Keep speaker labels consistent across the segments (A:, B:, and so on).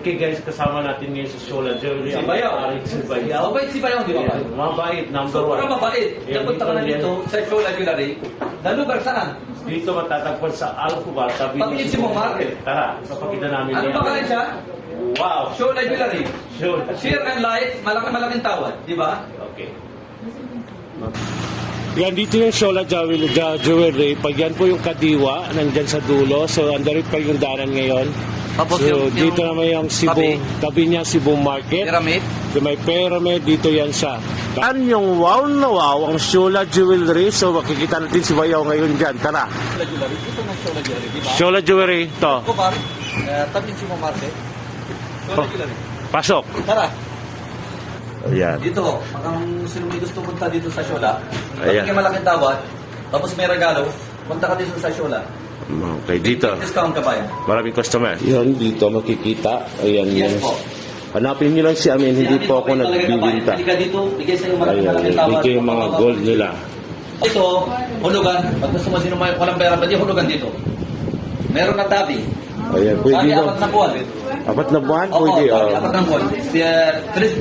A: Okay guys, kasama natin ngayon sa Shola Jewelry.
B: Si Bayaw.
A: Si Bayaw.
B: Mabait si Bayaw, di ba?
A: Yes, mabait, number one.
B: Sobrang mabait.
A: Yeah,
B: Napunta ka na dito sa Shola Jewelry. Na lugar saan?
A: Dito matatagpuan sa Alcobar, tabi
B: Pati si Mong Market.
A: Tara, papakita namin
B: Ano
A: yan.
B: ba kaya siya?
A: Wow!
B: Shola Jewelry.
A: Shola.
B: Share and like, malaking tawad, di ba?
A: Okay. Yan, dito yung Shola Jewelry. Pag yan po yung kadiwa, nandyan sa dulo. So, andarit pa yung daran ngayon.
B: Tapos
A: So, dito naman yung Cebu, tabi niya Cebu Market.
B: Pyramid.
A: So, may pyramid, dito yan siya. Yan yung wow na wow, ang Shola Jewelry. So, makikita natin si Bayaw ngayon dyan. Tara.
B: Shola Jewelry. Ito na Shola Jewelry, di ba?
A: Shola Jewelry, to.
B: Kobar, tabi si Mong Market. Shola Jewelry.
A: Pasok.
B: Tara.
A: Ayan.
B: Dito, kung sino may gusto punta dito sa Shola,
A: Ayan.
B: kapag malaking tawad, tapos may regalo, punta ka dito sa Shola.
A: Okay, dito.
B: Discount ka ba yan?
A: Maraming customer. Yun, dito makikita. Ayan,
B: Yes
A: yan.
B: po.
A: Hanapin nyo lang si Amin, hindi po ako nagbibinta.
B: Halika dito, bigay sa'yo
A: Ayan,
B: malaking tawad.
A: dito yung mga gold nila.
B: Ito, hulugan. Pag gusto mo sino may walang pera, pwede hulugan dito. Meron na tabi.
A: Ayan, pwede
B: Sabi,
A: yun.
B: 4 na buwan.
A: 4 na buwan?
B: Oo,
A: Pwede.
B: sabi,
A: Oh.
B: 4 na buwan. Chris,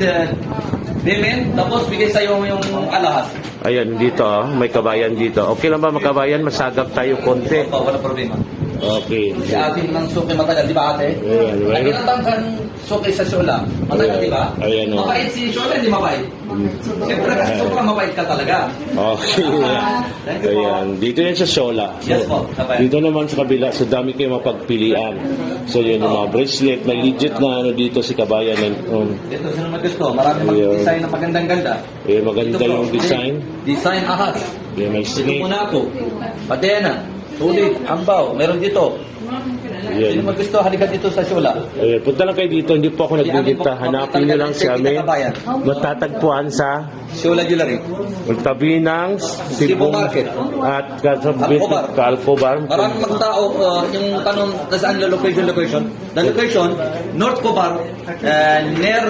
B: Demen, tapos bigay sa'yo yung alahas.
A: Ayan, dito, may kabayan dito. Okay lang ba makabayan? Masagap tayo konti.
B: Opo, wala problema.
A: Okay.
B: Si atin ng suki matagal, di ba ate?
A: Ayan,
B: Ay,
A: right.
B: ilang kang suki sa Shola? Matagal, di ba?
A: Ayan, oh.
B: Mabait si Shola, hindi mabait. Siyempre, kasi sobrang mabait ka talaga.
A: Okay.
B: Thank you po.
A: Ayan, dito yan sa Shola.
B: Yes po, sabay.
A: Dito naman sa kabila, so dami kayo mapagpilian. So yun, yung mga bracelet, may legit na ano dito si Kabayan.
B: Dito sino may gusto, marami
A: Ayun.
B: mag-design na magandang-ganda.
A: Maganda
B: Ito po,
A: yung design.
B: Design ahas.
A: May
B: Dito
A: snake.
B: muna ako. Patena, sulit, ambaw, meron dito. Sino
A: Ayan.
B: mag gusto, halika dito sa Shola.
A: Ayan, punta lang kayo dito, hindi po ako nagbibinta. Hanapin nyo lang si Amin. Matatagpuan sa
B: Shola Jewelry.
A: tabi ng
B: Cebu Market.
A: at kasabit
B: Alcobar.
A: Alcobar.
B: Maraming mga tao, yung tanong kung saan yung location. The location, North Cobar, near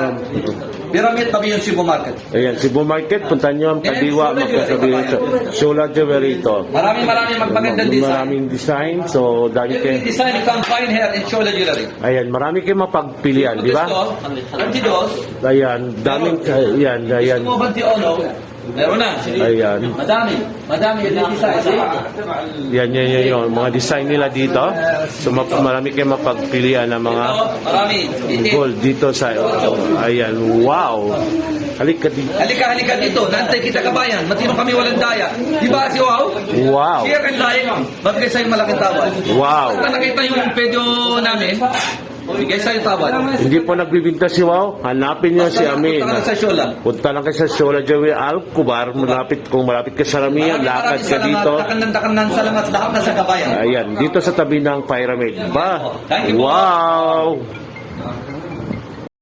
B: Pyramid, tabi yung Cebu Market.
A: Ayan, Cebu Market, punta nyo ang kadiwa, magkasabi sa Shola Jewelry ito.
B: Maraming magagandang design.
A: Maraming design, so dami
B: Every
A: kayo.
B: design you can find here in Shola Jewelry.
A: Ayan, marami kayo mapagpilian, di ba?
B: Antidos,
A: Ayan, daming, ayan, ayan.
B: gusto mo ba Tiono? Meron na.
A: Ayan.
B: Madami yung design.
A: Yan, yung mga design nila dito. So, marami kayo mapagpilian ng mga
B: Marami.
A: gold dito sa, ayan, wow. Halika dito.
B: Halika dito. Nantay kita kabayan. Matino kami walang daya. Di ba si Wow?
A: Wow.
B: Share and like. Magbigay sa'yo malaking tawad.
A: Wow.
B: Basta nakita yung video namin, bigay sa'yo tawad.
A: Hindi po nagbibinta si Wow. Hanapin niyo si Amin.
B: Punta ka na sa Shola.
A: Punta lang kayo sa Shola Jewelry Alcobar. Kung malapit ka sa Ramian, lakad ka dito.
B: Dakan salamat lahat na sa kabayan.
A: Ayan, dito sa tabi ng pyramid. Ba?
B: Thank you po.
A: Wow!